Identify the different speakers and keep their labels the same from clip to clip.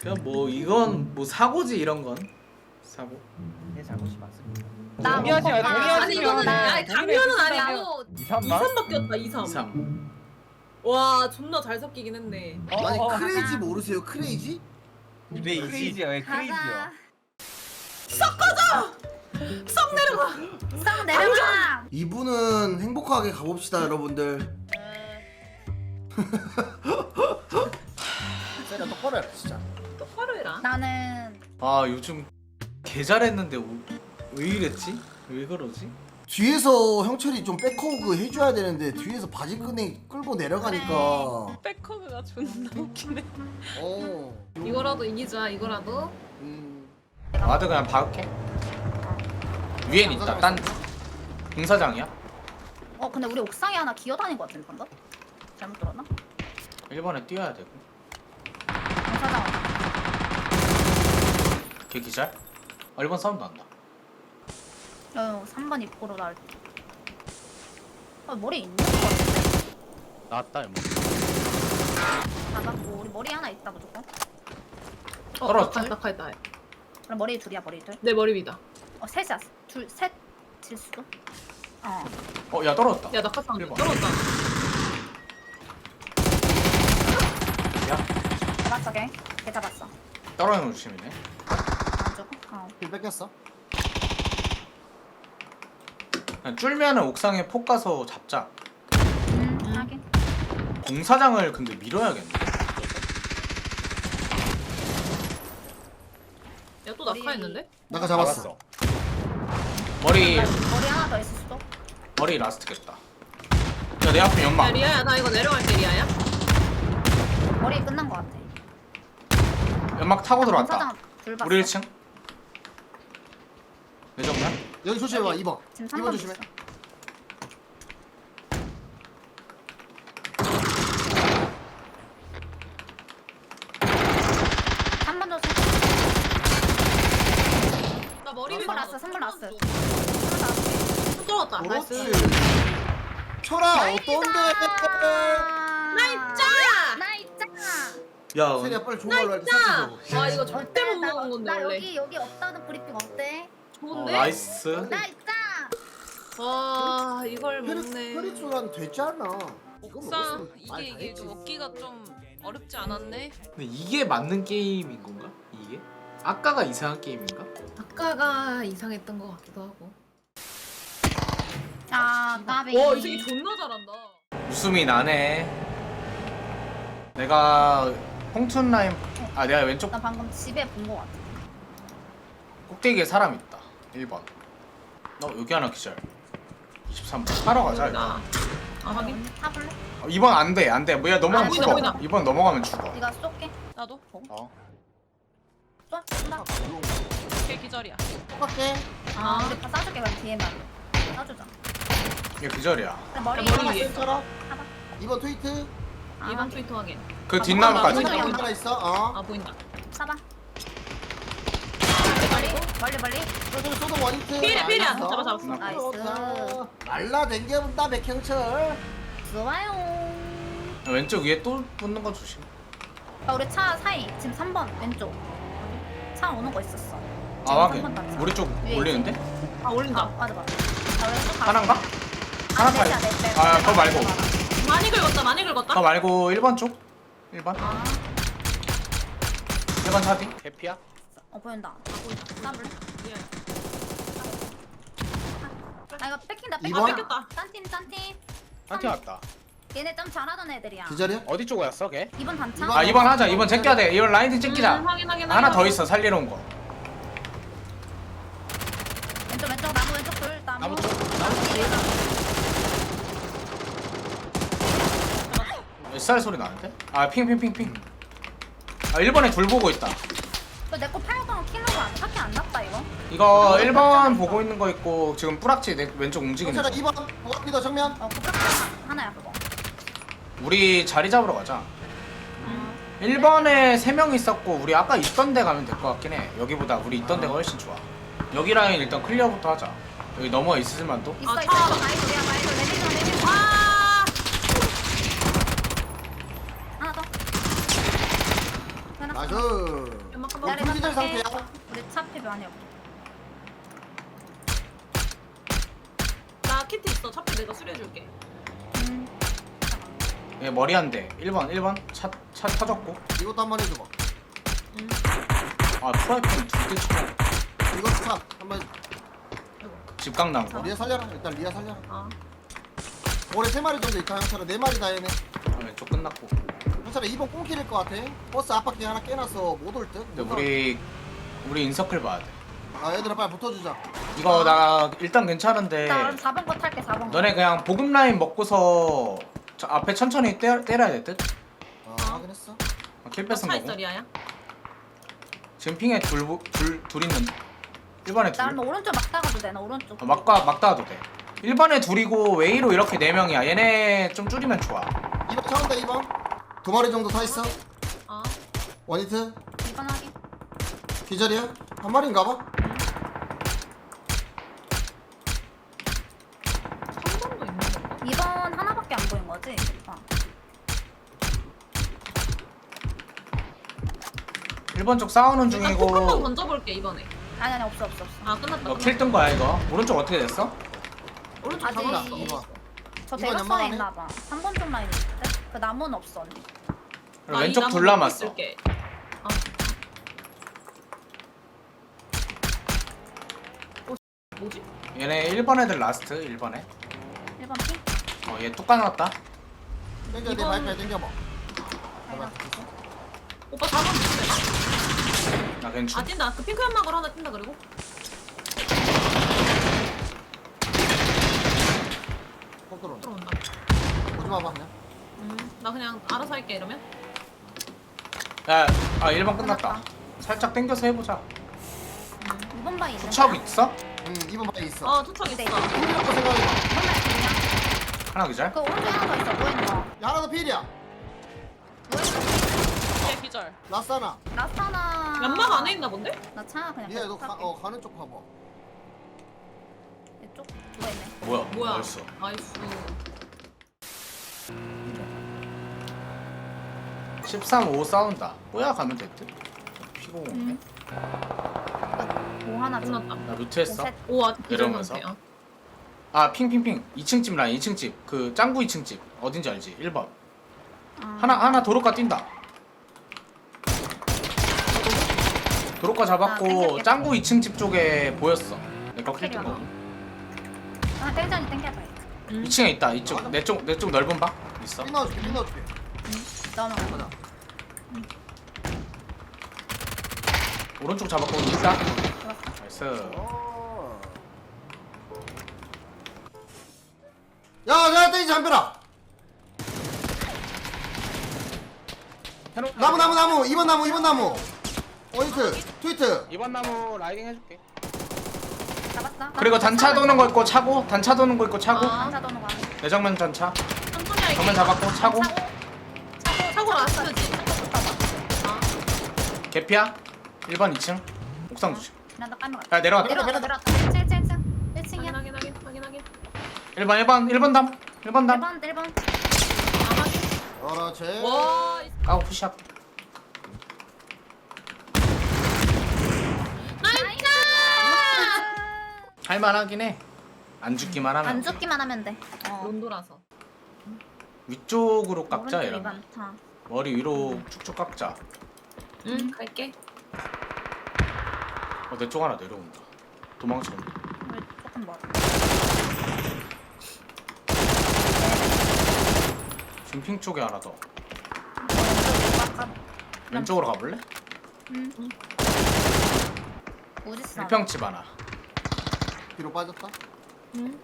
Speaker 1: 그냥 뭐 이건 뭐 사고지 이런 건 사고.
Speaker 2: 내 잘못이 맞습니다.
Speaker 3: 나
Speaker 4: 동의하지 마, 동의하지
Speaker 3: 아니
Speaker 4: 마.
Speaker 3: 이거는 아니 강렬은 아니야.
Speaker 4: 2,3만?
Speaker 3: 2삼밖에 없다 2삼.
Speaker 1: 3.
Speaker 3: 와 존나 잘 섞이긴 했네.
Speaker 5: 아니 크레이지 모르세요? 크레이지?
Speaker 4: 크레이지야, 왜 크레이지야?
Speaker 3: 썩 내려가.
Speaker 6: 싹 내려가.
Speaker 5: 이분은 행복하게 가봅시다 여러분들.
Speaker 2: 세려 똑바로 해 진짜.
Speaker 3: 똑바로 해라.
Speaker 6: 나는
Speaker 1: 아 요즘 개 잘했는데 왜 이랬지? 왜 그러지?
Speaker 5: 뒤에서 형철이 좀 백허그 해줘야 되는데 뒤에서 바지끈이 끌고 내려가니까
Speaker 3: 백허그가 존나 웃기네.
Speaker 5: 어.
Speaker 3: 이거라도 이기자 이거라도.
Speaker 1: 와드 그냥 박을게. 위엔 있다. 딴 공사장이야?
Speaker 6: 근데 우리 옥상에 하나 기어다닌 것 같은데 방금? 잘못 들었나?
Speaker 1: 1번에 뛰어야 되고.
Speaker 6: 공사장
Speaker 1: 걔 기절? 1번 사운드 난다.
Speaker 6: 3번 입구로 나올 때. 머리 있는 것 같은데?
Speaker 4: 나왔다, 이모.
Speaker 6: 잡았고 우리 머리 하나 있다 무조건.
Speaker 1: 떨어졌다.
Speaker 3: 낙하했다.
Speaker 6: 그럼 머리 둘이야 머리 둘.
Speaker 3: 내 머리 위다.
Speaker 6: 셋이야. 셋 질 수도.
Speaker 1: 야 떨어졌다.
Speaker 3: 야 낙하 사운드
Speaker 1: 1번.
Speaker 3: 떨어졌다.
Speaker 1: 야
Speaker 6: 잡았어 걔. 걔 잡았어.
Speaker 1: 떨어지는 거 조심이네.
Speaker 6: 안 죽어?
Speaker 5: 힐 뺏겼어.
Speaker 1: 그냥 쫄면은 옥상에 폭 가서 잡자.
Speaker 6: 하긴.
Speaker 1: 공사장을 근데 밀어야겠네.
Speaker 3: 야 또 낙하했는데?
Speaker 5: 나가 잡았어.
Speaker 1: 머리
Speaker 6: 머리 하나 더 있을 수도.
Speaker 1: 머리 라스트겠다. 야 내 앞에
Speaker 3: 야
Speaker 1: 연막.
Speaker 3: 리아야 나 이거 내려갈게 리아야.
Speaker 6: 머리 끝난 것 같아.
Speaker 1: 연막 타고 들어왔다.
Speaker 6: 공사장 둘 봤어.
Speaker 1: 우리 1층. 내 정면.
Speaker 5: 여기 조심해봐 2번.
Speaker 6: 지금
Speaker 5: 2번
Speaker 6: 3번
Speaker 5: 조심해.
Speaker 6: 있어. 한 번 더.
Speaker 3: 나 머리 위에
Speaker 6: 3번 났어. 3번 났어.
Speaker 3: 손 떨어졌다.
Speaker 5: 그렇지.
Speaker 3: 나이스.
Speaker 5: 철아 어떤데?
Speaker 3: 나이짜.
Speaker 6: 나이짜.
Speaker 1: 야
Speaker 5: 세리야 빨리 좋은 걸로 알고
Speaker 3: 나이짜.
Speaker 5: 설치줘.
Speaker 3: 와 이거 절대 못
Speaker 6: 나-
Speaker 3: 먹은 건데
Speaker 6: 나
Speaker 3: 원래.
Speaker 6: 여기 없다는 브리핑 어때?
Speaker 3: 좋은데?
Speaker 1: 나이스.
Speaker 6: 나이짜.
Speaker 3: 와 이걸 먹네.
Speaker 5: 혈액순환 됐잖아.
Speaker 7: 옥상 이게 좀 먹기가 좀 어렵지 않았네.
Speaker 1: 근데 이게 맞는 게임인 건가? 이게? 아까가 이상한 게임인가?
Speaker 3: 아까가 이상했던 것 같기도 하고.
Speaker 6: 나비.
Speaker 3: 와이 새끼 존나 잘한다.
Speaker 1: 웃음이 나네. 내가 홍춘 라인 내가 왼쪽
Speaker 6: 나 방금 집에 본 거 같아.
Speaker 1: 꼭대기에 사람 있다. 1번. 여기 하나 기절. 23번. 타러 가자. 이거.
Speaker 3: 아 확인.
Speaker 6: 타볼래?
Speaker 1: 2번 안 돼. 안 돼. 뭐야 넘어가면
Speaker 3: 보인다,
Speaker 1: 죽어.
Speaker 3: 보인다.
Speaker 1: 2번 넘어가면 죽어.
Speaker 6: 네가 쏠게.
Speaker 7: 나도
Speaker 1: 어.
Speaker 6: 쏜다.
Speaker 7: 걔 기절이야.
Speaker 5: 똑같게.
Speaker 6: 우리 다 쏴줄게 그럼 뒤에만. 쏴주자.
Speaker 1: 이게 기절이야.
Speaker 6: 그래, 머리
Speaker 3: 머리 위에.
Speaker 5: 철아.
Speaker 6: 타봐.
Speaker 5: 2번 트위트.
Speaker 3: 2번 트위터 확인.
Speaker 1: 그
Speaker 3: 아,
Speaker 1: 뒷나무까지.
Speaker 3: 보인다,
Speaker 5: 트위트
Speaker 3: 보인다.
Speaker 5: 하나 있어.
Speaker 3: 아 보인다.
Speaker 6: 쏴봐. 멀리.
Speaker 5: 저기 소동 원히트.
Speaker 3: 필이야, 필이야.
Speaker 5: 알았어.
Speaker 3: 잡았어.
Speaker 6: 나이스.
Speaker 5: 날라 댕겨본다 백형철.
Speaker 6: 좋아요.
Speaker 1: 왼쪽 위에 또 붙는 거 조심.
Speaker 6: 우리 차 사이 지금 3번 왼쪽. 차 오는 거 있었어.
Speaker 1: 아
Speaker 6: 지금
Speaker 1: 확인.
Speaker 6: 3번 단차.
Speaker 1: 우리 쪽
Speaker 6: 위에
Speaker 1: 올리는데?
Speaker 3: 아 올린다.
Speaker 6: 맞아. 자 왼쪽 가.
Speaker 1: 하나인가? 하나
Speaker 6: 넷이야,
Speaker 1: 팔.
Speaker 6: 넷.
Speaker 1: 아 그거 말고.
Speaker 3: 많이 긁었다. 많이 긁었다.
Speaker 1: 그거 말고 1번 쪽. 1번.
Speaker 6: 아,
Speaker 1: 1번 차디.
Speaker 4: 개피야?
Speaker 6: 보인다. 쏴볼래? 이거 뺏긴다.
Speaker 5: 이번?
Speaker 3: 뺏겼다.
Speaker 6: 딴팀.
Speaker 4: 한팀 왔다.
Speaker 6: 얘네 좀 잘하던 애들이야.
Speaker 5: 기절이야?
Speaker 4: 어디 쪽이었어, 걔?
Speaker 6: 2번 단차?
Speaker 5: 이번?
Speaker 1: 2번 하자. 2번 제껴야 돼. 이번 라인팅 찍기자.
Speaker 3: 확인.
Speaker 1: 하나 더 있어. 살리러 온 거.
Speaker 6: 왼쪽 나무 왼쪽 돌 나무.
Speaker 4: 나무 쪽.
Speaker 1: SR 소리 나는데? 핑. 1번에 둘 보고 있다.
Speaker 6: 내거 팔던 킬로가 안타게 안 났다 이거.
Speaker 1: 이거 1번 보고 있는 거 있고 지금 뿌락치 내 왼쪽 움직이는
Speaker 5: 형철아
Speaker 1: 거.
Speaker 5: 2번. 보갑니다 정면.
Speaker 6: 구rak 하나야 그거.
Speaker 1: 우리 자리 잡으러 가자. 1번에 3명 있었고 우리 아까 있던 데 가면 될 것 같긴 해. 여기보다 우리 있던 데가 훨씬 좋아. 여기 라인 일단 클리어부터 하자. 여기 넘어 있을 만도?
Speaker 6: 있어.
Speaker 3: 차.
Speaker 6: 마이돌이야 내리자.
Speaker 3: 아
Speaker 6: 하나 더. 하나 더.
Speaker 5: 나이스. 너 불기절 상태야?
Speaker 6: 우리 차 앞에 많이 없어.
Speaker 3: 나 키트 있어. 차피 내가 수리해줄게.
Speaker 1: 얘 머리 한 대. 1번 차 터졌고.
Speaker 5: 이것도 한 번 해줘봐.
Speaker 1: 아 프라이팬 두대 쳐.
Speaker 5: 이거 차 한번
Speaker 1: 집각 나온 거.
Speaker 5: 리아 살려라. 일단 리아 살려라.
Speaker 3: 아.
Speaker 5: 올해 3마리 정도 있다. 형차라 4마리 다 해네.
Speaker 1: 왼쪽 끝났고.
Speaker 5: 형차라 2번 꽁킬일 것 같아. 버스 앞바퀴 하나 깨놨어. 못 올 듯.
Speaker 1: 근데 우리 인서클 봐야 돼.
Speaker 5: 아 얘들아 빨리 붙어주자.
Speaker 1: 이거 나 일단 괜찮은데.
Speaker 6: 나 그럼 4번 거 탈게 4번 거.
Speaker 1: 너네 그냥 보급 라인 먹고서 저 앞에 천천히 때려야 될 듯?
Speaker 5: 아 확인했어.
Speaker 1: 킬 뺏은
Speaker 3: 차
Speaker 1: 거고.
Speaker 3: 있어 리아야.
Speaker 1: 지금 핑에 둘 있는데. 1번에
Speaker 6: 나
Speaker 1: 둘.
Speaker 6: 그럼 오른쪽 막 따가도 돼. 나 오른쪽.
Speaker 1: 막 따도 돼. 1번에 둘이고 웨이로 이렇게 4명이야. 얘네 좀 줄이면 좋아.
Speaker 5: 2번 차온다 2번. 2마리 정도 타 있어.
Speaker 3: 아.
Speaker 5: 원히트.
Speaker 6: 2번 하기.
Speaker 5: 기절이야? 한 마리인가 봐.
Speaker 3: 3번도 있는 건가?
Speaker 6: 2번 하나밖에 안 보인 거지? 어.
Speaker 1: 1번 쪽 싸우는
Speaker 3: 일단 폭 한번
Speaker 1: 중이고.
Speaker 3: 던져볼게 이번에.
Speaker 6: 아니 없어.
Speaker 3: 아 끝났다.
Speaker 1: 너 킬 뜬 거야 이거. 오른쪽 어떻게 됐어?
Speaker 3: 오른쪽
Speaker 6: 아직
Speaker 3: 잡았어.
Speaker 5: 2번.
Speaker 6: 저
Speaker 5: 이번
Speaker 6: 대각선에
Speaker 5: 연막하네.
Speaker 6: 있나 봐. 3번 쪽 라인 있는데? 그 나무는 없어 언니.
Speaker 1: 그리고 왼쪽 둘 남았어.
Speaker 3: 뭐지?
Speaker 1: 얘네 1번 애들 라스트 1번에.
Speaker 6: 1번 핑?
Speaker 1: 얘 뚝 까놨다.
Speaker 5: 땡겨 내
Speaker 3: 이번-
Speaker 5: 바이크에 땡겨봐.
Speaker 6: 아니다.
Speaker 3: 오빠 4번 있어.
Speaker 1: 나 괜찮.
Speaker 3: 아 뛴다. 그 핑크 연막을 하나 뛴다 그리고.
Speaker 5: 꼭 들어온다.
Speaker 3: 들어온다.
Speaker 5: 오지 마봐 그냥.
Speaker 3: 나 그냥 알아서 할게 이러면.
Speaker 1: 야, 1번 끝났다. 살짝 당겨서 해보자.
Speaker 6: 2번 바위 있는
Speaker 1: 투척 있어?
Speaker 5: 2번 바이 있어.
Speaker 3: 어 투척 있어.
Speaker 6: 네.
Speaker 5: 필요한 거 생각해봐.
Speaker 1: 하나 기절?
Speaker 6: 그 오른쪽에 하나 더 있어. 뭐 있는 거?
Speaker 5: 야 하나 더 필이야.
Speaker 7: 얘 기절.
Speaker 5: 라스하나.
Speaker 6: 라스타나.
Speaker 3: 연막 안에 있나 본데?
Speaker 6: 나 차 그냥
Speaker 5: 리아 너
Speaker 6: 계속 탈게.
Speaker 5: 가는 쪽 봐봐.
Speaker 6: 이쪽 누가 있네.
Speaker 1: 뭐야?
Speaker 3: 뭐야?
Speaker 1: 벌써.
Speaker 3: 나이스.
Speaker 1: 13, 5 싸운다. 뭐야 가면 됐듯. 피고 오네.
Speaker 6: 뭐 하나 좀.
Speaker 3: 끝났다.
Speaker 1: 나 뮤트했어.
Speaker 6: 셋.
Speaker 3: 오 아,
Speaker 1: 내려오면서.
Speaker 3: 기절한테.
Speaker 1: 아 핑핑핑. 2층 집 라인 2층 집. 그 짱구 2층 집. 어딘지 알지? 1번.
Speaker 6: 아.
Speaker 1: 하나 도로가 뛴다. 도로가
Speaker 6: 아,
Speaker 1: 잡았고
Speaker 6: 땡겼겠다.
Speaker 1: 짱구 2층 집 쪽에 보였어. 내거 킬뜬 거.
Speaker 6: 아 땡전이 땡겨봐.
Speaker 1: 2층에 있다. 이쪽 내 쪽 넓은 방 있어.
Speaker 5: 핀 넣어줄게 핀 넣어줄게.
Speaker 6: 너는
Speaker 5: 가자.
Speaker 1: 오른쪽 잡았고 있다. 나이스.
Speaker 5: 야야 떼지 잠벼라. 나무 2번 나무. 원히트 트위트.
Speaker 4: 2번 나무 라이딩 해줄게.
Speaker 6: 잡았어.
Speaker 1: 그리고 단차 도는 거 있고 차고. 단차 도는 거 있고 차고.
Speaker 3: 아.
Speaker 6: 단차 도는 거.
Speaker 1: 내정면 단차.
Speaker 3: 천천히 할게.
Speaker 1: 정면 잡았고 차고.
Speaker 3: 차고 라스트지. 아.
Speaker 1: 개피야. 1번 2층. 옥상 주심.
Speaker 6: 난다 까먹어.
Speaker 1: 야 내려왔다.
Speaker 6: 내려왔다. 1층. 1층이야.
Speaker 3: 확인하게.
Speaker 1: 1번 담. 1번 담.
Speaker 6: 1번.
Speaker 5: 그렇지.
Speaker 3: 와.
Speaker 1: 까고 푸시업.
Speaker 3: 나이스.
Speaker 1: 할만하긴 해. 안 죽기만 하면.
Speaker 6: 안 죽기만 하면 돼.
Speaker 3: 론도라서.
Speaker 1: 위쪽으로 깎자
Speaker 6: 오른쪽
Speaker 1: 이러면.
Speaker 6: 2번 타.
Speaker 1: 머리 위로 쭉쭉 깎자.
Speaker 3: 응 갈게.
Speaker 1: 내 쪽 하나 내려온다. 도망치는.
Speaker 6: 우리 조금 멀어.
Speaker 1: 지금 핑 쪽에 하나 더.
Speaker 6: 왼쪽
Speaker 1: 왼쪽으로 가볼래?
Speaker 6: 응. 우지스.
Speaker 1: 1평집 하나.
Speaker 5: 뒤로 빠졌다.
Speaker 3: 응.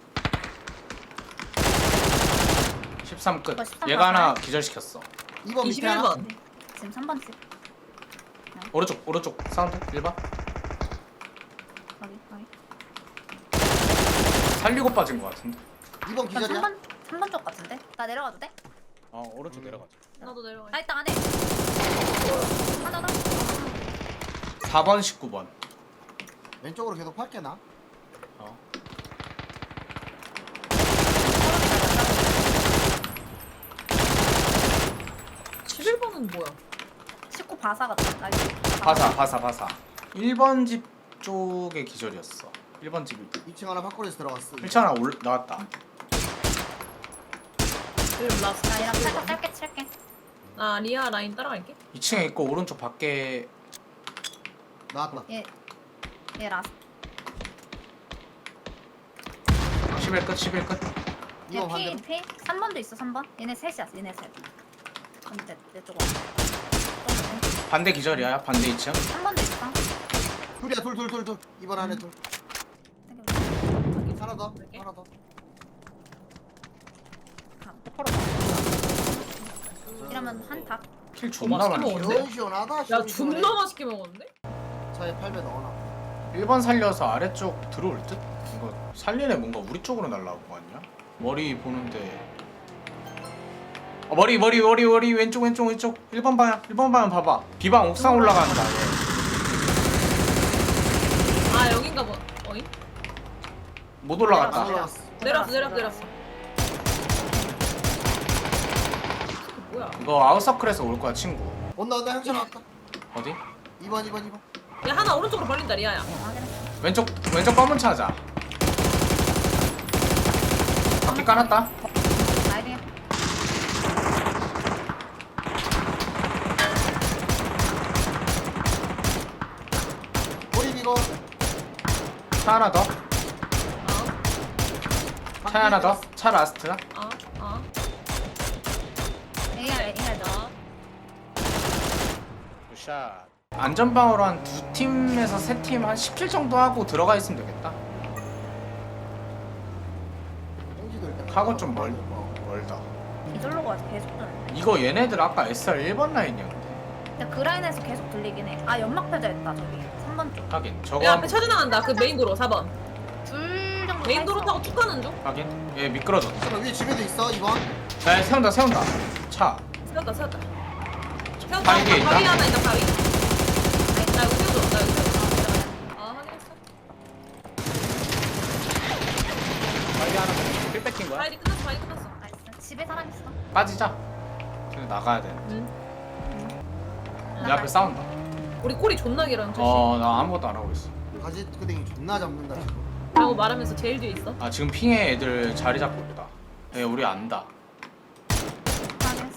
Speaker 1: 13 끝.
Speaker 6: 이거 13
Speaker 1: 얘가 하나
Speaker 6: 맞아요?
Speaker 1: 기절시켰어.
Speaker 5: 2번 밑에 하나.
Speaker 3: 21번.
Speaker 6: 지금 3번 집.
Speaker 1: 오른쪽 사운드 1번.
Speaker 6: 거기.
Speaker 1: 살리고 빠진 것 같은데.
Speaker 5: 2번
Speaker 6: 나
Speaker 5: 기절이야.
Speaker 6: 3번 쪽 같은데? 나 내려가도 돼?
Speaker 1: 오른쪽 내려가자.
Speaker 3: 나도 내려가.
Speaker 6: 나 있다 안에. 하나 더.
Speaker 1: 4번 19번.
Speaker 5: 왼쪽으로 계속 팔게 나.
Speaker 3: 11번은 뭐야?
Speaker 6: 19 바사 같다.
Speaker 1: 바사 1번 집 쪽에 기절이었어. 1번 집
Speaker 5: 2층 하나 밖으로서 들어갔어.
Speaker 1: 1차 하나 나왔다.
Speaker 3: 그리고 라스트.
Speaker 6: 나 이랑 살짝 짧게 칠게.
Speaker 3: 아 리아 라인 따라갈게.
Speaker 1: 2층에 있고 오른쪽 밖에
Speaker 5: 나왔다.
Speaker 6: 얘 라스.
Speaker 1: 11 끝 11 끝.
Speaker 5: 이거 반대로.
Speaker 6: 얘 P 3번도 있어 3번. 얘네 셋이야 얘네 셋. 그럼 내 쪽으로.
Speaker 1: 반대 기절이야. 반대 2층.
Speaker 6: 3번도 있어.
Speaker 5: 둘이야 둘. 이번 안에 둘. 하나 더. 하나 더.
Speaker 6: 이러면 한 닭.
Speaker 1: 킬 존나
Speaker 3: 맛있게
Speaker 1: 많이.
Speaker 3: 먹었네.
Speaker 5: 시원하다.
Speaker 3: 야 존나 맛있게 먹었는데?
Speaker 5: 차에 8배 넣어놔.
Speaker 1: 1번 살려서 아래쪽 들어올 듯? 이거 살리네. 뭔가 우리 쪽으로 날라온 거 아니야? 머리 보는데 머리 왼쪽 1번 방향 봐봐. 비방 옥상 올라간다.
Speaker 3: 아 여긴가 봐. 어이?
Speaker 1: 못 올라갔다.
Speaker 5: 올라갔어.
Speaker 3: 내렸어. 뭐야?
Speaker 1: 이거 아웃서클에서 올 거야 친구.
Speaker 5: 온다 형철 나왔다.
Speaker 1: 어디?
Speaker 5: 2번.
Speaker 3: 야 하나 오른쪽으로 벌린다 리아야.
Speaker 1: 왼쪽 검은 차자. 바퀴 까놨다.
Speaker 6: 나이딩.
Speaker 5: 머리 이거.
Speaker 1: 차 하나 더.
Speaker 3: 어?
Speaker 1: 차 하나 더. 차 라스트나?
Speaker 3: 어?
Speaker 6: AR 너.
Speaker 1: 굿샷. 안전방어로 한 2팀에서 3팀 한 10킬 정도 하고 들어가 있으면 되겠다. 카고 좀 멀다.
Speaker 6: 이절로 가서 계속 들리네.
Speaker 1: 이거 얘네들 아까 SR 1번 라인이었는데.
Speaker 6: 근데 그 라인에서 계속 들리긴 해. 아 연막 펴져 있다 저기 3번 쪽.
Speaker 1: 하긴 저거
Speaker 3: 야 앞에 차주 나간다. 그 메인 도로 4번.
Speaker 6: 둘 정도.
Speaker 3: 메인 도로
Speaker 6: 서
Speaker 3: 타고 쭉 가는 중.
Speaker 1: 하긴 얘 미끄러졌다.
Speaker 5: 잠깐 위에 집에도 있어 2번.
Speaker 1: 야 세운다 차.
Speaker 3: 세웠다.
Speaker 1: 바위 뒤에 있다.
Speaker 3: 바위 하나 있다 바위. 나 여기 세워줘. 아 확인했어.
Speaker 1: 바위 하나 필 뺏긴 거야?
Speaker 3: 바위 끝났어.
Speaker 6: 나이스. 집에 사람 있어.
Speaker 1: 빠지자. 그냥 나가야 돼.
Speaker 3: 응.
Speaker 1: 내 앞에 싸운다.
Speaker 3: 우리 꼬리 존나 길어 형철 씨.
Speaker 1: 나 아무것도 안 하고 있어.
Speaker 5: 가지 끄댕이 존나 잡는다 지금.
Speaker 3: 라고 말하면서 제일 뒤에 있어.
Speaker 1: 아 지금 핑에 애들 자리 잡고 있다. 얘 우리 안다.
Speaker 6: 확인했어.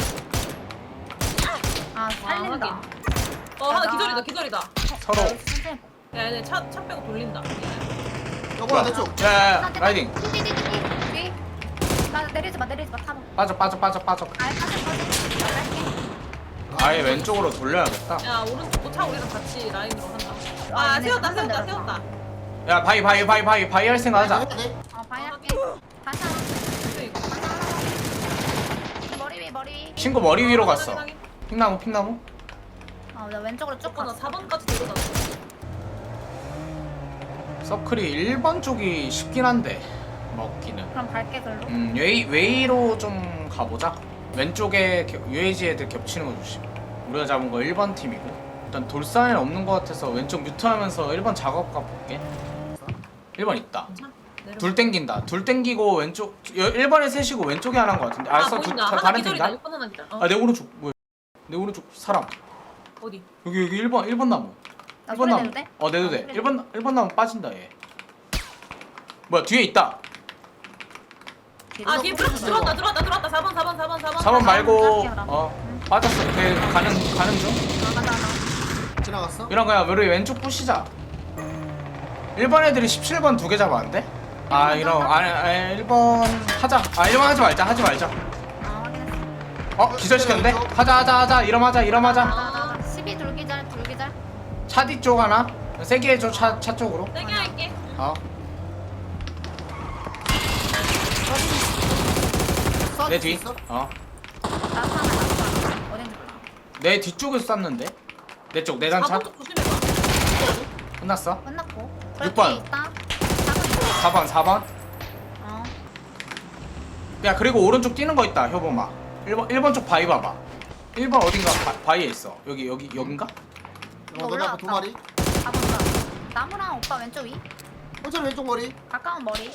Speaker 6: 아 살린다.
Speaker 3: 확인. 하나 기절이다.
Speaker 1: 서로.
Speaker 6: 천천히 봐.
Speaker 3: 야 얘네 차 빼고 돌린다.
Speaker 5: 여보야 내 쪽.
Speaker 1: 야 라이딩.
Speaker 6: 뒤. 나 내리지 마 타봐.
Speaker 1: 빠져.
Speaker 6: 아 빠져. 나 갈게.
Speaker 1: 아예 왼쪽으로 돌려야겠다.
Speaker 3: 야 오른쪽 차 우리랑 같이 라인으로 한다.
Speaker 6: 아,
Speaker 3: 아
Speaker 6: 얘네
Speaker 3: 세웠다.
Speaker 6: 한번 내렸다.
Speaker 1: 야 바위 할 생각 하자.
Speaker 5: 해야 돼?
Speaker 6: 바이 할게. 다시 하나.
Speaker 3: 근데 이거
Speaker 6: 머리 위.
Speaker 1: 친구 머리 위로 갔어.
Speaker 3: 확인.
Speaker 1: 핑나무.
Speaker 6: 나 왼쪽으로 쭉
Speaker 3: 나
Speaker 6: 갔어.
Speaker 3: 4번까지 데려갔어.
Speaker 1: 서클이 1번 쪽이 쉽긴 한데 먹기는.
Speaker 6: 그럼 밝게 글로.
Speaker 1: 웨이로 좀 가보자. 왼쪽에 UAG 애들 겹치는 거 조심. 우리가 잡은 거 1번 팀이고 일단 돌산에는 없는 거 같아서 왼쪽 뮤트하면서 1번 작업 가볼게. 1번 있다.
Speaker 3: 내려.
Speaker 1: 둘 땡긴다. 둘 땡기고 왼쪽 1번에 셋이고 왼쪽에 하나인 거 같은데. 알았어.
Speaker 3: 보인다. 하나
Speaker 1: 다른
Speaker 3: 기절이다.
Speaker 1: 팀이다.
Speaker 3: 6번 하나 기절.
Speaker 1: 아 내 오른쪽 뭐야? 내 오른쪽 사람.
Speaker 3: 어디?
Speaker 1: 여기 1번 나무.
Speaker 6: 나
Speaker 1: 1번
Speaker 6: 소리
Speaker 1: 나무.
Speaker 6: 내도 돼?
Speaker 1: 내도 돼.
Speaker 6: 그래.
Speaker 1: 1번 나무 빠진다 얘. 뭐야 뒤에 있다.
Speaker 3: 아 뒤에 들어왔다. 4번.
Speaker 1: 4번 말고
Speaker 6: 짧게
Speaker 1: 빠졌어. 걔 가는 중.
Speaker 6: 가자.
Speaker 5: 지나갔어?
Speaker 1: 이런 거야. 우리 왼쪽 부시자. 1번 애들이 17번 2개 잡았는데? 아 이런 1번 하자. 1번 하지 말자.
Speaker 6: 아 확인했어.
Speaker 1: 기절시켰는데? 하자. 이러마자.
Speaker 6: 12 둘기절.
Speaker 1: 차 뒤쪽 하나. 세게 해줘. 차 쪽으로.
Speaker 3: 세게 할게.
Speaker 1: 내 뒤.
Speaker 5: 있어?
Speaker 6: 나 하나. 어딘지 몰라.
Speaker 1: 내 뒤쪽에서 쐈는데? 내 쪽, 내 단차.
Speaker 3: 4번 쪽 조심해봐.
Speaker 1: 끝났어.
Speaker 6: 끝났고.
Speaker 1: 6번.
Speaker 6: 있다.
Speaker 1: 4번.
Speaker 6: 어.
Speaker 1: 야 그리고 오른쪽 뛰는 거 있다. 효범아. 1번 쪽 바위 봐봐. 1번 어딘가 바위에 있어. 여긴가?
Speaker 6: 이거
Speaker 5: 너네 앞에 두
Speaker 6: 올라왔다.
Speaker 5: 마리.
Speaker 6: 4번 나무랑 오빠 왼쪽 위.
Speaker 5: 형철 왼쪽 머리.
Speaker 6: 가까운 머리.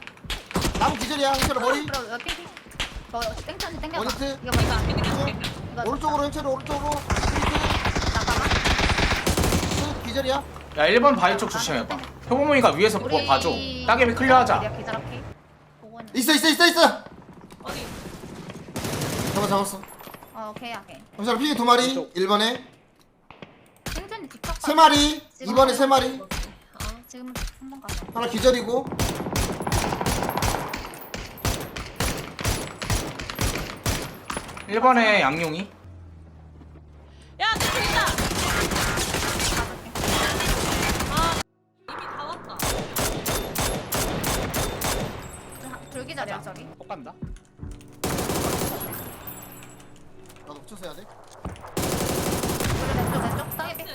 Speaker 5: 나무 기절이야 형철 머리.
Speaker 6: 그럼 핑. 너 땡천이 땡겨봐.
Speaker 5: 원히트.
Speaker 6: 이거 보니까.
Speaker 5: 오른쪽으로 형철이 오른쪽으로.
Speaker 6: 잠깐만.
Speaker 5: 기절이야.
Speaker 1: 야 1번 바위 쪽 조심해봐. 효범이가 위에서 그거
Speaker 6: 우리
Speaker 1: 봐줘. 따개비 클리어하자.
Speaker 6: 내가 기절할게. 보고는.
Speaker 5: 있어.
Speaker 7: 어디?
Speaker 5: 잡았어.
Speaker 6: 오케이 오케이.
Speaker 5: 형철아 피기 2마리. 1번에
Speaker 6: 생존이 직접.
Speaker 5: 3마리. 2번에 3마리.
Speaker 6: 지금 한번 가자.
Speaker 5: 하나 기절이고.
Speaker 1: 일 1번에 양용이.
Speaker 7: 야, 내 쪽이다. 아, 이미 다 왔다.
Speaker 6: 불기절이야 저기.
Speaker 4: 꼭 간다.
Speaker 5: 나도 붙여서 해야 돼.
Speaker 6: 우리 왼쪽 따개비.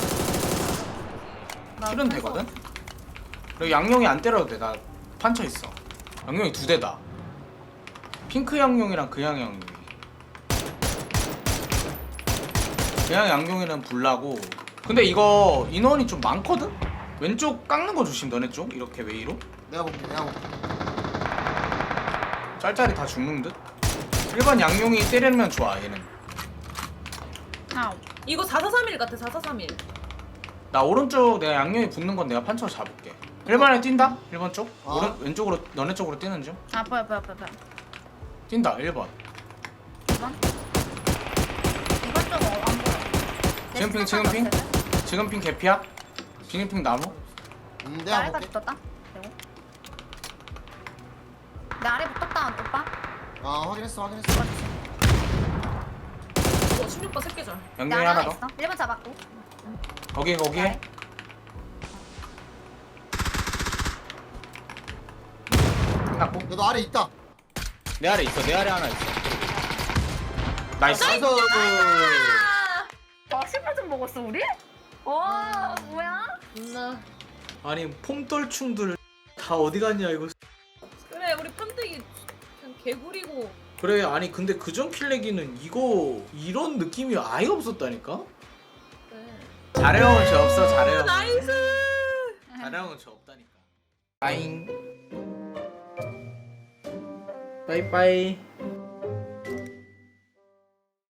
Speaker 1: 킬은 되거든? 그리고 양용이 안 때려도 돼. 나 판쳐 있어. 양용이 2대다. 핑크 양용이랑 그냥 양용이. 그냥 양용이는 불나고. 근데 이거 인원이 좀 많거든? 왼쪽 깎는 거 조심. 너네 쪽 이렇게 웨이로
Speaker 5: 내가 볼게.
Speaker 1: 짤짤이 다 죽는 듯? 1번 양용이 때리면 좋아 얘는.
Speaker 6: 아
Speaker 7: 이거 4431 같아, 4431.
Speaker 1: 나 오른쪽 내가 양용이 붙는 건 내가 판쳐 잡을게. 1번에 뛴다? 1번 쪽? 왼쪽으로 너네 쪽으로 뛰는 중?
Speaker 6: 보여.
Speaker 1: 뛴다 1번.
Speaker 6: 2번. 이번 쪽안 보여.
Speaker 1: 지금 핑 개피야? 지금 핑 나무?
Speaker 5: 내가
Speaker 6: 아래까지
Speaker 5: 볼게.
Speaker 6: 떴다. 그리고 내 아래 붙었다 오빠.
Speaker 5: 확인했어.
Speaker 7: 16번 새끼절.
Speaker 6: 내
Speaker 1: 양용이
Speaker 6: 아래
Speaker 1: 하나
Speaker 6: 하나
Speaker 1: 더.
Speaker 6: 있어. 1번 잡았고.
Speaker 1: 거기 해.
Speaker 6: 아래.
Speaker 1: 끝났고.
Speaker 5: 너도 아래 있다.
Speaker 4: 내 아래 있어. 내 아래 하나 있어.
Speaker 1: 나이스.
Speaker 5: 나이스.
Speaker 6: 신발 좀 먹었어 우리? 와 뭐야?
Speaker 1: 아니 폼떨충들 다 어디 갔냐 이거.
Speaker 7: 그래, 우리 판때기 그냥 개구리고.
Speaker 1: 그래 아니 근데 그전 킬레기는 이거 이런 느낌이 아예 없었다니까?
Speaker 7: 네.
Speaker 1: 잘해온 저 없어 잘해온.
Speaker 7: 나이스.
Speaker 1: 잘해온 저 없다니까. 빠잉. 빠이빠이.